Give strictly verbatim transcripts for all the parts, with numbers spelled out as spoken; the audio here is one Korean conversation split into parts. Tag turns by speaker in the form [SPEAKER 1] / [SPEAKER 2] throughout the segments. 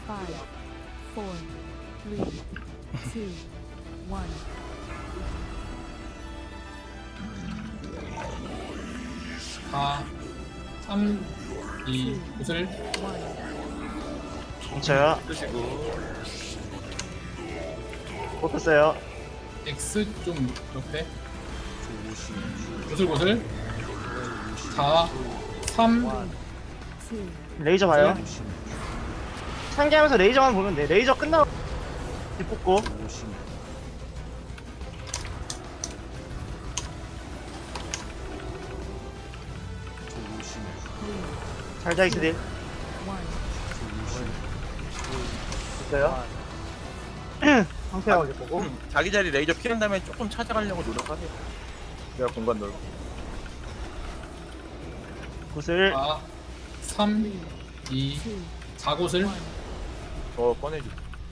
[SPEAKER 1] five, four, three, two, one.
[SPEAKER 2] 사, 삼, 이, 구슬.
[SPEAKER 3] 뭉쳐요.
[SPEAKER 4] 쓰시고
[SPEAKER 3] 뽑혔어요.
[SPEAKER 2] X 좀 옆에. 구슬 구슬. 사, 삼,
[SPEAKER 1] Two.
[SPEAKER 3] 레이저 봐요. 상기하면서 레이저만 보면 돼. 레이저 끝나고 뽑고. 잘자 이스딜
[SPEAKER 1] One.
[SPEAKER 3] 됐어요. 상태하고 이제 보고.
[SPEAKER 4] 자기 자리 레이저 피한 다음에 조금 찾아가려고 노력하세요. 내가 공간 넓고
[SPEAKER 3] 구슬
[SPEAKER 2] 사, 삼, 이,
[SPEAKER 1] Two.
[SPEAKER 2] 사 구슬.
[SPEAKER 4] 더 꺼내줘.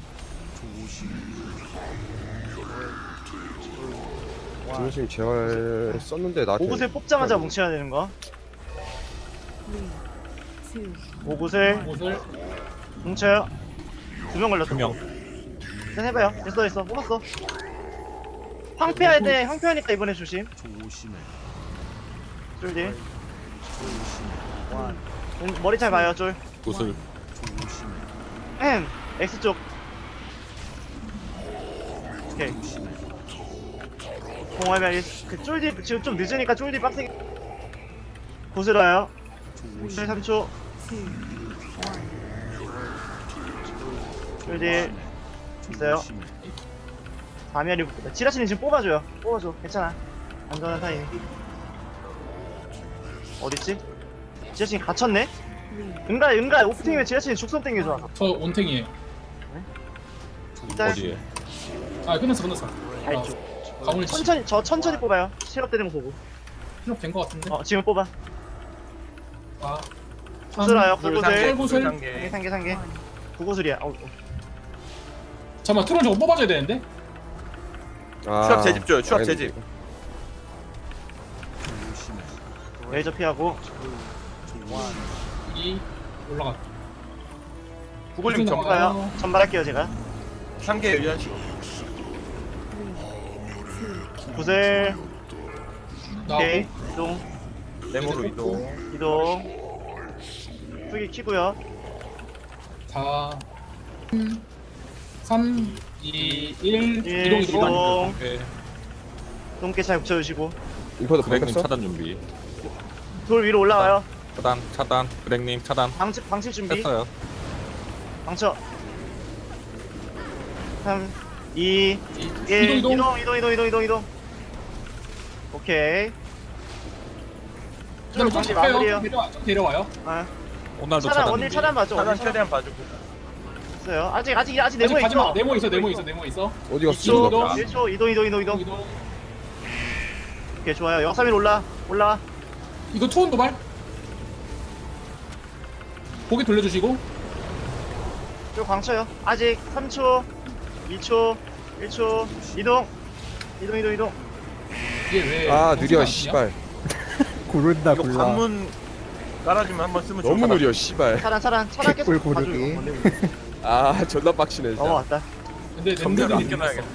[SPEAKER 5] 중심 재활 썼는데 나한테
[SPEAKER 3] 오구슬 뽑자마자 뭉쳐야 되는 거.
[SPEAKER 1] Three. Two.
[SPEAKER 3] 오구슬
[SPEAKER 2] 구슬.
[SPEAKER 3] 뭉쳐요. 두 명 걸렸어.
[SPEAKER 4] 두 명.
[SPEAKER 3] 일단 해봐요. 됐어 됐어. 뽑았어. 황폐할 때 황폐하니까 이번에 조심. 쫄디. 음, 머리 잘 봐요 쫄.
[SPEAKER 4] 구슬
[SPEAKER 3] 음, X 쪽. 오케이. 공화면 그 쫄디 지금 좀 늦으니까 쫄디 빡세게. 고슬어요. 쫄 삼 초.
[SPEAKER 1] Two. One.
[SPEAKER 3] 쫄디 있어요. 다미아리 지라치는 지금 뽑아줘요. 뽑아줘. 괜찮아. 안전한 타이밍. 어딨지? 지라치는 갇혔네?
[SPEAKER 1] Three.
[SPEAKER 3] 은가 은가 오프닝이면 지라치는 죽선 땡겨줘.
[SPEAKER 2] 저 온탱이에요.
[SPEAKER 3] 일단
[SPEAKER 4] 어디에?
[SPEAKER 2] 아 끝났어 끝났어.
[SPEAKER 3] 알죠.
[SPEAKER 2] 아, 가문을 치-
[SPEAKER 3] 천천히 저 천천히 뽑아요. 실업 되는 거 보고.
[SPEAKER 2] 실업 된거 같은데.
[SPEAKER 3] 어 지금 뽑아.
[SPEAKER 2] 아,
[SPEAKER 3] 구슬아요.
[SPEAKER 4] 구슬
[SPEAKER 3] 구구슬.
[SPEAKER 2] 구슬.
[SPEAKER 3] 상계 상계 상계. 구구슬이야. 어, 어.
[SPEAKER 2] 잠깐만 트론 저거 뽑아줘야 되는데.
[SPEAKER 5] 아,
[SPEAKER 4] 추락 재집 줘요, 추락
[SPEAKER 5] 알겠네.
[SPEAKER 4] 재집.
[SPEAKER 3] 레이저 피하고.
[SPEAKER 2] 이 올라가.
[SPEAKER 4] 구글링
[SPEAKER 2] 구슬
[SPEAKER 4] 전부
[SPEAKER 2] 나가요.
[SPEAKER 3] 뽑아요. 전발할게요 제가.
[SPEAKER 4] 상계 유연식.
[SPEAKER 3] 구슬. 오케이.
[SPEAKER 2] 나오고.
[SPEAKER 3] 이동.
[SPEAKER 4] 네모로 이동.
[SPEAKER 3] 이동. 후기 키고요.
[SPEAKER 2] 사, 삼, 이, 일.
[SPEAKER 3] 일,
[SPEAKER 2] 이동 이동.
[SPEAKER 3] 이동.
[SPEAKER 4] 오케이.
[SPEAKER 3] 똥개 잘 붙여주시고.
[SPEAKER 5] 인포도
[SPEAKER 6] 그렉님
[SPEAKER 5] 바뀌었어?
[SPEAKER 6] 차단 준비.
[SPEAKER 3] 돌 위로 올라와요.
[SPEAKER 6] 차단, 차단. 그렉님 차단.
[SPEAKER 3] 방치 방치 준비.
[SPEAKER 6] 했어요.
[SPEAKER 3] 방쳐. 삼, 이,
[SPEAKER 2] 이,
[SPEAKER 3] 일.
[SPEAKER 2] 이동 이동.
[SPEAKER 3] 이동 이동 이동 이동 이동 이동. 오케이.
[SPEAKER 2] 그다음에 좀
[SPEAKER 3] 방치
[SPEAKER 2] 잡혀요.
[SPEAKER 3] 마무리해요.
[SPEAKER 2] 좀 데려와, 좀 데려와요.
[SPEAKER 3] 아,
[SPEAKER 6] 오늘도
[SPEAKER 3] 차단
[SPEAKER 6] 차단
[SPEAKER 3] 원일
[SPEAKER 6] 준비.
[SPEAKER 3] 차단 봐줘.
[SPEAKER 4] 차단
[SPEAKER 3] 원일 차단
[SPEAKER 4] 최대한 봐주고.
[SPEAKER 3] 있어요. 아직 아직 아직
[SPEAKER 2] 아직
[SPEAKER 3] 네모
[SPEAKER 2] 가지 마.
[SPEAKER 3] 있어.
[SPEAKER 2] 네모 있어. 네모 있어. 네모 있어.
[SPEAKER 5] 어디 갔어?
[SPEAKER 2] 이쪽,
[SPEAKER 5] 지금?
[SPEAKER 2] 이동.
[SPEAKER 3] 일 초 이동 이동 이동 이동.
[SPEAKER 2] 이동.
[SPEAKER 3] 오케이 좋아요. 영삼일 올라 올라.
[SPEAKER 2] 이거 투혼 도발. 고개 돌려주시고.
[SPEAKER 3] 쭉 광쳐요. 아직 삼 초, 이 초, 일 초. 이동. 이동 이동 이동.
[SPEAKER 2] 이게 왜?
[SPEAKER 5] 아
[SPEAKER 2] 정수가
[SPEAKER 5] 느려
[SPEAKER 2] 아니냐?
[SPEAKER 5] 씨발.
[SPEAKER 7] 고른다
[SPEAKER 4] 이거
[SPEAKER 7] 골라.
[SPEAKER 4] 관문 깔아주면 한번 쓰면 좋을
[SPEAKER 5] 너무
[SPEAKER 4] 것
[SPEAKER 5] 느려 씨발.
[SPEAKER 3] 차단 차단 차단 계속
[SPEAKER 7] 개꿀
[SPEAKER 3] 봐줘요.
[SPEAKER 7] 고르기.
[SPEAKER 3] 건들고.
[SPEAKER 5] 아 존나 빡치네 진짜.
[SPEAKER 3] 넘어왔다.
[SPEAKER 2] 근데
[SPEAKER 4] 점점
[SPEAKER 2] 랜덤이
[SPEAKER 4] 아껴놔야겠다.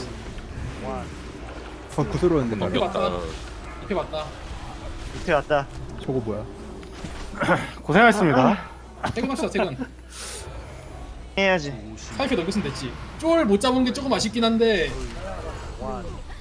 [SPEAKER 7] 어, 구스러웠는데
[SPEAKER 2] 넘겨.
[SPEAKER 7] 말이야.
[SPEAKER 6] 넘겼다.
[SPEAKER 2] 이렇게 봤다.
[SPEAKER 3] 밑에 왔다.
[SPEAKER 7] 저거 뭐야?
[SPEAKER 3] 고생하셨습니다.
[SPEAKER 2] 퇴근합시다. 퇴근.
[SPEAKER 3] 해야지.
[SPEAKER 2] 사이fe 넘겼으면 됐지. 쫄 못 잡은 게 조금 아쉽긴 한데